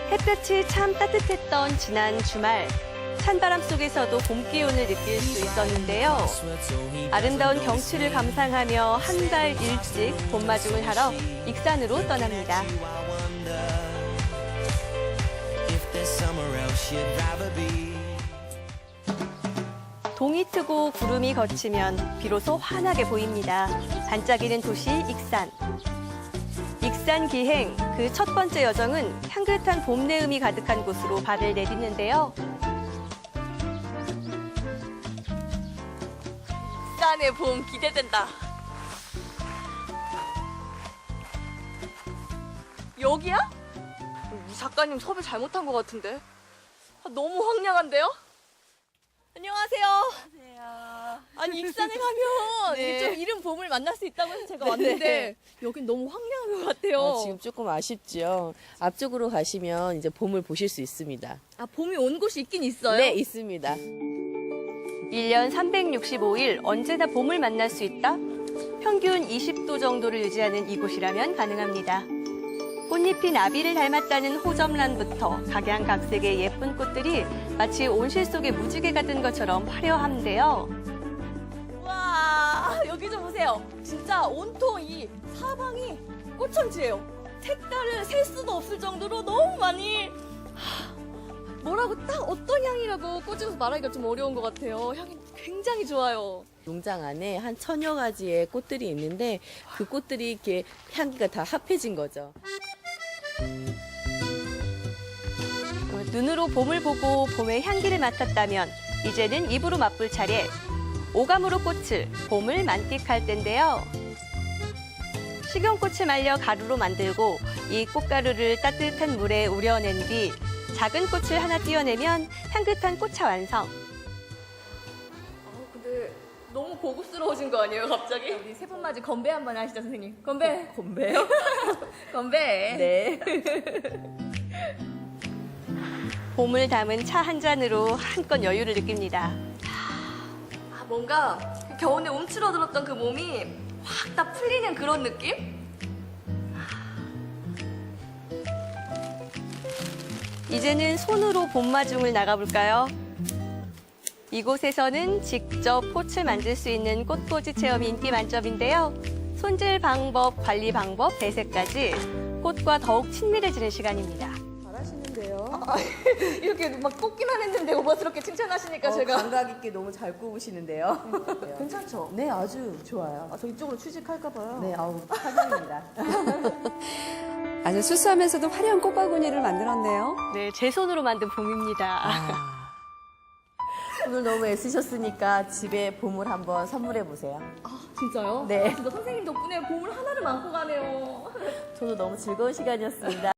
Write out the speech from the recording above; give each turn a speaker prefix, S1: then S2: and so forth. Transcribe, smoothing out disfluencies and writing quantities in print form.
S1: 햇볕이 참 따뜻했던 지난 주말. 찬바람 속에서도 봄 기운을 느낄 수 있었는데요. 아름다운 경치를 감상하며 한 달 일찍 봄마중을 하러 익산으로 떠납니다. 동이 트고 구름이 걷히면 비로소 환하게 보입니다. 반짝이는 도시 익산. 익산 기행, 그 첫 번째 여정은 향긋한 봄 내음이 가득한 곳으로 발을 내딛는데요. 익산의 봄 기대된다. 여기야? 이 작가님 섭외 잘못한 것 같은데. 너무 황량한데요? 안녕하세요.
S2: 안녕하세요.
S1: 아니 익산에 가면
S2: 네.
S1: 이게 좀 이른 봄을 만날 수 있다고 해서 제가 왔는데
S2: 네.
S1: 여긴 너무 황량한 것 같아요.
S2: 지금 조금 아쉽죠. 앞쪽으로 가시면 이제 봄을 보실 수 있습니다.
S1: 아, 봄이 온 곳이 있긴 있어요?
S2: 네, 있습니다.
S1: 1년 365일 언제나 봄을 만날 수 있다? 평균 20도 정도를 유지하는 이곳이라면 가능합니다. 꽃잎이 나비를 닮았다는 호접란부터 각양각색의 예쁜 꽃들이 마치 온실 속의 무지개가 든 것처럼 화려한데요. 와, 여기 좀 보세요. 진짜 온통 이 사방이 꽃천지예요. 색깔을 셀 수도 없을 정도로 너무 많이 뭐라고 딱 어떤 향이라고 꽂으면서 말하기가 좀 어려운 것 같아요. 향이 굉장히 좋아요.
S2: 농장 안에 한 1000여 가지의 꽃들이 있는데 그 꽃들이 이렇게 향기가 다 합해진 거죠.
S1: 눈으로 봄을 보고 봄의 향기를 맡았다면 이제는 입으로 맛볼 차례. 오감으로 꽃을, 봄을 만끽할 때인데요. 식용꽃을 말려 가루로 만들고 이 꽃가루를 따뜻한 물에 우려낸 뒤 작은 꽃을 하나 띄어내면 향긋한 꽃차 완성. 근데 너무 고급스러워진 거 아니에요, 갑자기? 우리 세 분 맞이 건배 한번 하시죠, 선생님. 건배.
S2: 건배요?
S1: 건배.
S2: 네.
S1: 봄을 담은 차 한 잔으로 한껏 여유를 느낍니다. 뭔가 겨우내 움츠러들었던 그 몸이 확 다 풀리는 그런 느낌? 이제는 손으로 봄마중을 나가볼까요? 이곳에서는 직접 꽃을 만들 수 있는 꽃꽂이 체험이 인기 만점인데요. 손질 방법, 관리 방법, 배색까지 꽃과 더욱 친밀해지는 시간입니다.
S2: 잘하시는데요.
S1: 이렇게 막 꽂기만 했는데 오버스럽게 칭찬하시니까 제가
S2: 감각 있게 너무 잘 굽으시는데요.
S1: 괜찮죠?
S2: 네, 아주 좋아요.
S1: 저 이쪽으로 취직할까 봐요.
S2: 네, 환영입니다.
S3: 아주 수수하면서도 화려한 꽃바구니를 만들었네요.
S1: 네, 제 손으로 만든 봄입니다.
S2: 오늘 너무 애쓰셨으니까 집에 봄을 한번 선물해 보세요.
S1: 진짜요?
S2: 네.
S1: 진짜 선생님 덕분에 봄을 하나를 안고 가네요.
S2: 저도 너무 즐거운 시간이었습니다.